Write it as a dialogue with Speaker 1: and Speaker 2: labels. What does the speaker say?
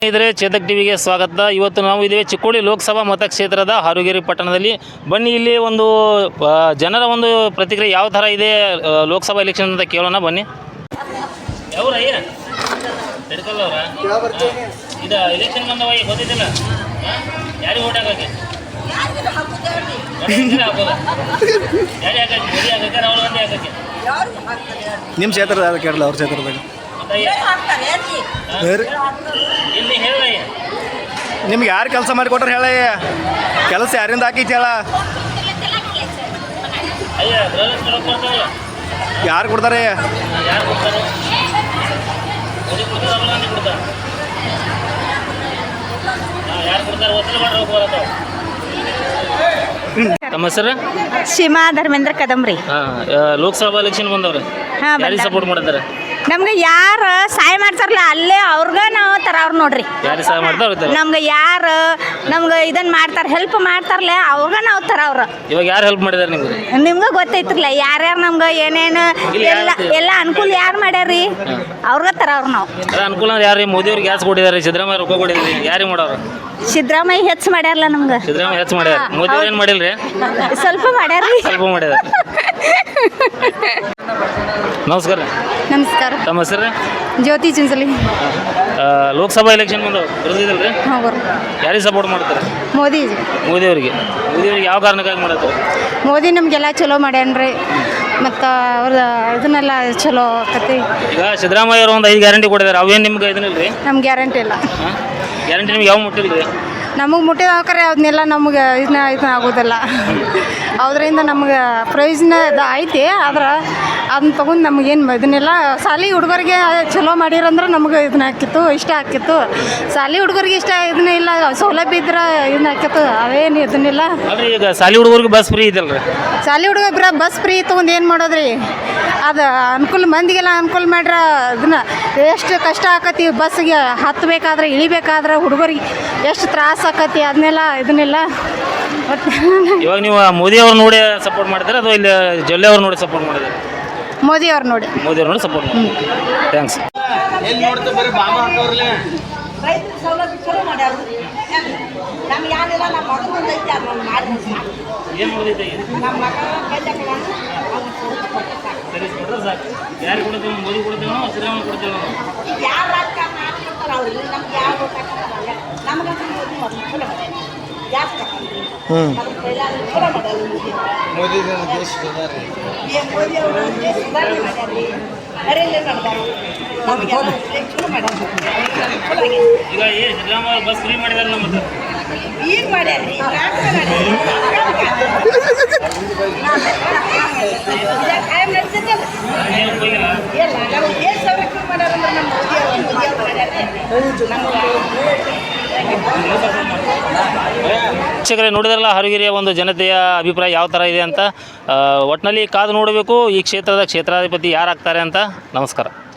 Speaker 1: ಇದ್ರೆ ಚೇತಕ್ ಟಿವಿಗೆ ಸ್ವಾಗತ. ಇವತ್ತು ನಾವು ಇದ್ದೇವೆ ಚಿಕ್ಕೋಡಿ ಲೋಕಸಭಾ ಮತಕ್ಷೇತ್ರದ ಹಾರುಗೇರಿ ಪಟ್ಟಣದಲ್ಲಿ. ಬನ್ನಿ ಇಲ್ಲಿ ಒಂದು ಜನರ ಒಂದು ಪ್ರತಿಕ್ರಿಯೆ ಯಾವ ಥರ ಇದೆ ಲೋಕಸಭಾ ಎಲೆಕ್ಷನ್ ಅಂತ ಕೇಳೋಣ ಬನ್ನಿ. ಯಾವ್ರಯ್ಯ ತಡ್ಕಲ್ಲ ಅವರ ಇದು ಎಲೆಕ್ಷನ್ ಬಂದವ ಗೊತ್ತಿದ್ದಿಲ್ಲ ಯಾರಿಗೆ ಓಟ್ ಹಾಕಕ್ಕೆ ಯಾರಿಗೆ ಹಾಕಕ್ಕೆ ಮೋದಿ ಹಾಕಕ್ಕೆ ರಾಹುಲ್ ಗಾಂಧಿ ಹಾಕಕ್ಕೆ
Speaker 2: ನಿಮ್ಮ ಕ್ಷೇತ್ರದ ಕೇಳಲ್ಲ ಅವ್ರ ಕ್ಷೇತ್ರದಾಗ
Speaker 1: ಇಲ್ಲಿ ಹೇಳಯ್ಯ
Speaker 2: ನಿಮ್ಗೆ ಯಾರು ಕೆಲಸ ಮಾಡಿಕೊಟ್ರೆ ಹೇಳಯ್ಯ ಕೆಲಸ ಯಾರಿಂದ ಹಾಕೈತಿ ಹೇಳ
Speaker 1: ಅಯ್ಯ ಕೊಡ್ತಾವಲ್ಲ
Speaker 2: ಯಾರು ಕೊಡ್ತಾರೆ
Speaker 1: ಯಾರು ಕೊಡ್ತಾರೆ ಮೋದಿ ಕೊಡ್ತಾರೆ ರಾಹುಲ್ ಗಾಂಧಿ ಕೊಡ್ತಾರೆ ಯಾರು ಕೊಡ್ತಾರೆ ವಸೂಲು ಮಾಡಿ ಹೋಗ್ಬಾರದು. ತಮ್ಮ ಹೆಸರು
Speaker 3: ಶಿಮಾ ಧರ್ಮೇಂದ್ರ ಕದಂಬ್ರಿ.
Speaker 1: ಲೋಕಸಭಾ ಎಲೆಕ್ಷನ್ ಬಂದವ್ರೆ ಯಾರಿಗೆ ಸಪೋರ್ಟ್ ಮಾಡ್ತಾರೆ?
Speaker 3: ನಮ್ಗೆ ಯಾರು ಸಹಾಯ ಮಾಡ್ತಾರಲ್ಲ ಅಲ್ಲೇ ಅವ್ರಗ ನಾವು ತರವ್ರು ನೋಡ್ರಿ.
Speaker 1: ಯಾರಿಗೆ ಸಹಾಯ ಮಾಡ್ತಾರೆ?
Speaker 3: ನಮ್ಗೆ ಯಾರು ನಮ್ಗೆ ಇದನ್ನ ಮಾಡ್ತಾರೆ ಹೆಲ್ಪ್ ಮಾಡ್ತಾರಲ್ಲ ಅವ್ರಗ ನಾವು ತರವ್ರು.
Speaker 1: ಇವಾಗ ಯಾರು ಹೆಲ್ಪ್ ಮಾಡಿದಾರೆ ನಿಮ್ಗೆ?
Speaker 3: ನಿಮ್ಗೆ ಗೊತ್ತೈತ್ರಲ್ಲ ಯಾರ್ಯಾರು ನಮ್ಗೆ ಏನೇನು ಎಲ್ಲ ಅನುಕೂಲ ಯಾರು ಮಾಡ್ಯಾರ್ರಿ ಅವ್ರಗ ತರವ್ರು ನಾವು.
Speaker 1: ಅನುಕೂಲ ಯಾರು? ಮೋದಿ ಅವ್ರಿಗೆ ಗ್ಯಾಸ್ ಕೊಟ್ಟಿದ್ದಾರೆ, ಸಿದ್ದರಾಮಯ್ಯ ರೊಕ್ಕ ಕೊಟ್ಟಿದ್ದಾರೆ, ಯಾರಿಗೆ ಮಾಡೋರು?
Speaker 3: ಸಿದ್ದರಾಮಯ್ಯ ಹೆಚ್ಚು ಮಾಡ್ಯಾರಲ್ಲ ನಮ್ಗೆ.
Speaker 1: ಸಿದ್ದರಾಮಯ್ಯ ಹೆಚ್ಚು ಮಾಡ್ಯಾರ, ಮೋದಿ ಅವ್ರು ಏನು ಮಾಡಿಲ್ರಿ?
Speaker 3: ಸ್ವಲ್ಪ ಮಾಡ್ಯಾರ್ರಿ.
Speaker 1: ಸ್ವಲ್ಪ ಮಾಡ್ಯಾರ. ನಮಸ್ಕಾರ.
Speaker 3: ನಮಸ್ಕಾರ.
Speaker 1: ತಮ್ಮ ಹೆಸರು?
Speaker 3: ಜ್ಯೋತಿ ಚಿಂಚಲಿ.
Speaker 1: ಲೋಕಸಭಾ ಎಲೆಕ್ಷನ್ ಬಂದವು ಬರೋದಿಲ್ಲರಿ? ಯಾರಿಗೆ ಸಪೋರ್ಟ್ ಮಾಡ್ತಾರೆ?
Speaker 3: ಮೋದಿ.
Speaker 1: ಮೋದಿ ಅವ್ರಿಗೆ ಯಾವ ಕಾರಣಕ್ಕಾಗಿ ಮಾಡತ್ತಾರೆ?
Speaker 3: ಮೋದಿ ನಮಗೆಲ್ಲ ಚಲೋ ಮಾಡ್ಯಾನ್ರಿ ಮತ್ತು ಅವ್ರ ಇದನ್ನೆಲ್ಲ ಚಲೋ ಆಕತಿ.
Speaker 1: ಈಗ ಸಿದ್ದರಾಮಯ್ಯ ಅವರು ಒಂದು 5 ಗ್ಯಾರಂಟಿ ಕೊಟ್ಟಿದ್ದಾರೆ, ಅವೇನು ನಿಮ್ಗೆ ಇದನ್ನಿಲ್ರಿ?
Speaker 3: ನಮ್ಗೆ ಗ್ಯಾರಂಟಿ ಇಲ್ಲ.
Speaker 1: ಗ್ಯಾರಂಟಿ ನಿಮ್ಗೆ ಯಾವ ಮುಟ್ಟಿಲ್ರಿ?
Speaker 3: ನಮಗೆ ಮುಟ್ಟಿದಾಕ್ರೆ ಅದನ್ನೆಲ್ಲ ನಮ್ಗೆ ಇದನ್ನ ಆಗೋದಿಲ್ಲ. ಅದರಿಂದ ನಮ್ಗೆ ಪ್ರಯೋಜನ ಐತಿ, ಆದ್ರೆ ಅದನ್ನ ತೊಗೊಂಡು ನಮಗೇನು ಇದನ್ನೆಲ್ಲ ಶಾಲೆ ಹುಡುಗರಿಗೆ ಚಲೋ ಮಾಡಿರಂದ್ರೆ ನಮ್ಗೆ ಇದನ್ನ ಹಾಕಿತ್ತು, ಇಷ್ಟ ಆಕಿತ್ತು. ಶಾಲೆ ಹುಡುಗರಿಗೆ ಇಷ್ಟ ಇದನ್ನ ಇಲ್ಲ, ಸೌಲಭ್ಯ ಇದ್ರೆ ಇದನ್ನ ಹಾಕಿತ್ತು, ಅವೇನು ಇದನ್ನಿಲ್ಲ.
Speaker 1: ಈಗ ಶಾಲೆ ಹುಡುಗರಿಗೆ ಬಸ್ ಫ್ರೀ ಇದಲ್ರಿ?
Speaker 3: ಶಾಲೆ ಹುಡುಗ ಬಸ್ ಫ್ರೀ ತೊಗೊಂಡು ಏನು ಮಾಡೋದ್ರಿ? ಅದು ಅನುಕೂಲ ಮಂದಿಗೆಲ್ಲ ಅನುಕೂಲ ಮಾಡ್ರೆ ಇದನ್ನ ಎಷ್ಟು ಕಷ್ಟ ಆಕತಿ ಬಸ್ಸಿಗೆ ಹತ್ತಬೇಕಾದ್ರೆ ಇಳಿಬೇಕಾದ್ರೆ ಹುಡುಗರಿಗೆ ಎಷ್ಟು ತ್ರಾಸ ಆಕತಿ ಅದನ್ನೆಲ್ಲ ಇದನ್ನೆಲ್ಲ.
Speaker 1: ಇವಾಗ ನೀವು ಮೋದಿ ಅವ್ರು ನೋಡಿ ಸಪೋರ್ಟ್ ಮಾಡ್ತಾರೆ ಅಥವಾ ಇಲ್ಲಿ ಜೊಲ್ಲೆ ಅವ್ರು ನೋಡಿ ಸಪೋರ್ಟ್ ಮಾಡಿದ್ದಾರೆ?
Speaker 3: ಮೋದಿ ಅವ್ರು ನೋಡಿ
Speaker 1: ಸಪೋರ್ಟ್ ಮಾಡಿ. ಥ್ಯಾಂಕ್ಸ್.
Speaker 4: ರೈತರ ಸೌಲಭ್ಯ ಚಲೋ ಮಾಡ್ಯಾರ. ನಮ್ಗೆ ಯಾರಿಲ್ಲ, ನಮ್ಮ ಮಗನ ಐತಿ ಅದನ್ನ ಮಾಡಿ
Speaker 1: ಏನು ಓದಿದ್ದೆ?
Speaker 4: ನಮ್ಮ ಮಗ
Speaker 1: ಯಾರು ಕೊಡ್ತೇವೆ? ಮೋದಿ ಕೊಡ್ತೇವೆ, ಸಿದ್ದರಾಮಯ್ಯ ಕೊಡ್ತೇವೆ?
Speaker 4: ಯಾವ ರಾಜಕಾರಣ ಹಾಕ್ತಿರ್ತಾರೆ ಅವ್ರಿಗೆ, ನಮ್ಗೆ ಯಾವ ಹಾಕ್ತಿರ್ತಾರಲ್ಲ ನಮಗಂತೂ ಮೋದಿ ಮೊದಲು ಚಲೋ ಮಾಡ್ಯಾರ. ಯಾಕೆ ತಗೊಂಡ್ರಿ ಅದ್ರ ಕೈಲಾದ ಚಲೋ ಮಾಡ್ಯಾರ ಮೋದಿ ಅವರು ದೇಶ ಸುಧಾರಣೆ ಮಾಡ್ಯಾರ್ರಿ, ನರೇಂದ್ರ ನಡೆದಾರು, ನಮಗೆಲ್ಲ ಚಲೋ ಮಾಡ್ಯಾರ, ಚಲೋ ಆಗ್ಯದ.
Speaker 1: ಈಗ ಸಿದ್ದರಾಮಯ್ಯ ಬಸ್ ಫ್ರೀ ಮಾಡಿದಾರೆ ನಮ್ಮ
Speaker 4: ಈಗ ಮಾಡ್ಯಾರ್ರಿ ಕಾಯಂ ನಡ್ಸತ್ತಲ್ಲ ಇಲ್ಲ. ನಮ್ಗೆ ದೇಶ ಸಂರಕ್ಷಣೆ ಮಾಡ್ಯಾರಂದ್ರೆ ನಮ್ಮ ಮೋದಿ ಅವರು ಮಾಡ್ಯಾರ್ರಿ.
Speaker 1: ವೀಕ್ಷಕರೇ ನೋಡಿದ್ರಲ್ಲ ಹಾರುಗೇರಿಯ ಒಂದು ಜನತೆಯ ಅಭಿಪ್ರಾಯ ಯಾವ ಥರ ಇದೆ ಅಂತ. ಒಟ್ಟಿನಲ್ಲಿ ಕಾದು ನೋಡಬೇಕು ಈ ಕ್ಷೇತ್ರದ ಕ್ಷೇತ್ರಾಧಿಪತಿ ಯಾರಾಗ್ತಾರೆ ಅಂತ. ನಮಸ್ಕಾರ.